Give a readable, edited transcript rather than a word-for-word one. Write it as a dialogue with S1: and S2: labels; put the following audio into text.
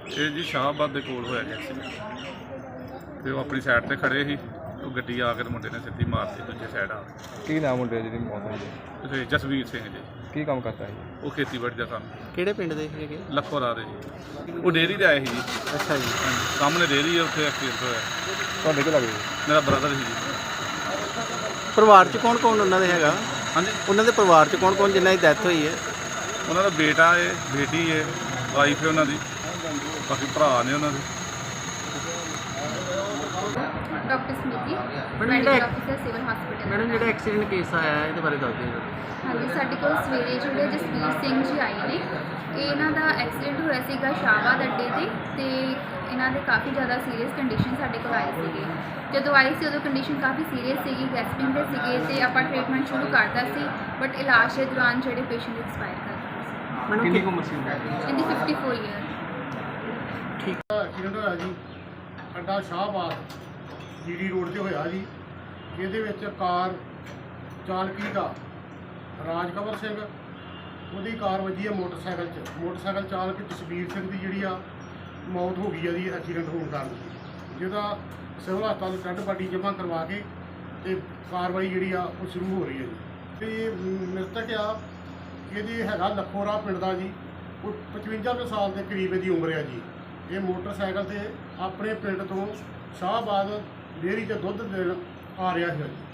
S1: ਇਹ ਜੀ ਸ਼ਾਹਬਾਦ ਦੇ ਕੋਲ ਹੋਇਆ ਜੀ ਐਕਸੀਡੈਂਟ ਤੇ ਉਹ ਆਪਣੀ ਸਾਈਡ ਤੇ ਖੜੇ ਸੀ। ਉਹ ਗੱਡੀ ਆ ਕੇ ਤੇ ਮੁੰਡੇ ਨੇ ਸਿੱਧੀ ਮਾਰਤੀ ਦੂਜੇ ਸਾਈਡ ਆ।
S2: ਕੀ ਨਾਮ ਮੁੰਡੇ ਜਿਹਦੀ ਮੌਤ ਹੋਈ?
S1: ਤੇ ਜਸਵੀਰ ਸਿੰਘ ਜੀ,
S2: ਕੀ ਕੰਮ ਕਰਦਾ ਹੈ?
S1: ਉਹ ਖੇਤੀਬਾੜੀ ਦਾ ਕੰਮ।
S3: ਕਿਹੜੇ ਪਿੰਡ ਦੇ ਹੈਗੇ?
S1: ਲੱਖੋਰਾ ਦੇ ਜੀ। ਉਹ ਡੇਅਰੀ ਤੇ ਆਏ ਸੀ ਜੀ।
S3: ਅੱਛਾ ਜੀ।
S1: ਸਾਹਮਣੇ ਡੇਅਰੀ ਹੈ, ਉੱਥੇ ਐਕਸੀਡੈਂਟ ਹੋਇਆ।
S2: ਤੁਹਾਡੇ ਕੀ ਲੱਗਦਾ?
S1: ਮੇਰਾ ਬ੍ਰਦਰ ਸੀ ਜੀ।
S3: ਪਰਿਵਾਰ 'ਚ ਕੌਣ ਕੌਣ ਉਹਨਾਂ ਦੇ ਹੈਗਾ?
S1: ਹਾਂਜੀ,
S3: ਉਹਨਾਂ ਦੇ ਪਰਿਵਾਰ 'ਚ ਕੌਣ ਕੌਣ ਜਿਨ੍ਹਾਂ ਦੀ ਡੈਥ ਹੋਈ ਹੈ?
S1: ਉਹਨਾਂ ਦਾ ਬੇਟਾ ਹੈ, ਬੇਟੀ ਹੈ, ਵਾਈਫ ਹੈ ਉਹਨਾਂ ਦੀ, ਬਾਕੀ ਭਰਾ ਨੇ ਉਹਨਾਂ ਦੇ।
S4: ਡਾਕਟਰ ਸਮਿਤੀ,
S3: ਮੈਡਮ
S4: ਮੈਡੀਕਲ ਅਫਸਰ ਸਿਵਲ ਹਸਪੀਟਲ।
S3: ਮੈਡਮ ਜਿਹੜਾ ਐਕਸੀਡੈਂਟ ਕੇਸ ਆਇਆ ਹੈ ਇਹਦੇ ਬਾਰੇ ਦੱਸ ਦਿਓ।
S4: ਹਾਂਜੀ, ਸਾਡੇ ਕੋਲ ਸਵੇਰੇ ਜਿਹੜੇ ਜਸਵੀਰ ਸਿੰਘ ਜੀ ਆਏ ਨੇ, ਇਹਨਾਂ ਦਾ ਐਕਸੀਡੈਂਟ ਹੋਇਆ ਸੀਗਾ ਸ਼ਾਹਬਾਦ ਅੱਡੇ ਤੇ ਇਹਨਾਂ ਦੇ ਕਾਫੀ ਜ਼ਿਆਦਾ ਸੀਰੀਅਸ ਕੰਡੀਸ਼ਨ ਸਾਡੇ ਕੋਲ ਆਏ ਸੀਗੇ। ਜਦੋਂ ਆਏ ਸੀ ਉਦੋਂ ਕੰਡੀਸ਼ਨ ਕਾਫੀ ਸੀਰੀਅਸ ਸੀਗੀ, ਗੈਸਪਿੰਗ ਦੇ ਸੀਗੇ ਤੇ ਆਪਾਂ ਟ੍ਰੀਟਮੈਂਟ ਸ਼ੁਰੂ ਕਰਤਾ ਸੀ, ਬਟ ਇਲਾਜ ਦੇ ਦੌਰਾਨ ਜਿਹੜੇ ਪੇਸ਼ੈਂਟ ਐਕਸਪਾਇਰ ਕਰ ਗਏ।
S3: ਮੈਡਮ ਕਿੰਨੀ ਉਮਰ ਸੀ?
S4: ਇਹਦੀ 54 ਈਅਰ।
S5: ਐਕਸੀਡੈਂਟ ਹੋਇਆ ਜੀ ਅੱਡਾ ਸ਼ਾਹਬਾਦ ਜੀਡੀ ਰੋਡ ਤੇ ਹੋਇਆ ਜੀ। ਇਹਦੇ ਵਿੱਚ ਕਾਰ ਚਾਲਕੀ ਦਾ ਰਾਜਕਵਰ ਸਿੰਘ, ਉਹਦੀ ਕਾਰ ਵੱਜੀ ਹੈ ਮੋਟਰਸਾਈਕਲ 'ਚ। ਮੋਟਰਸਾਈਕਲ ਚਾਲਕ ਜਸਵੀਰ ਸਿੰਘ ਦੀ ਜਿਹੜੀ ਆ ਮੌਤ ਹੋ ਗਈ ਹੈ ਜੀ ਐਕਸੀਡੈਂਟ ਹੋਣ ਕਾਰਨ, ਜਿਹਦਾ ਸਿਵਲ ਹਸਪਤਾਲ ਡੈੱਡ ਬਾਡੀ ਜਮ੍ਹਾਂ ਕਰਵਾ ਕੇ ਤੇ ਕਾਰਵਾਈ ਜਿਹੜੀ ਆ ਉਹ ਸ਼ੁਰੂ ਹੋ ਰਹੀ ਹੈ ਜੀ। ਤੇ ਮ੍ਰਿਤਕ ਆ ਇਹਦੀ ਹੈਗਾ ਲੱਖੋਰਾ ਪਿੰਡ ਦਾ ਜੀ। ਉਹ 55 ਕੁ ਸਾਲ ਦੇ ਕਰੀਬ ਇਹਦੀ ਉਮਰ ਆ ਜੀ। ਇਹ ਮੋਟਰਸਾਈਕਲ ਤੇ ਆਪਣੇ ਪਿੰਡ ਤੋਂ ਸ਼ਾਹਬਾਦ ਡੇਅਰੀ 'ਚ ਦੁੱਧ ਦੇਣ ਆ ਰਿਹਾ ਸੀ ਜੀ।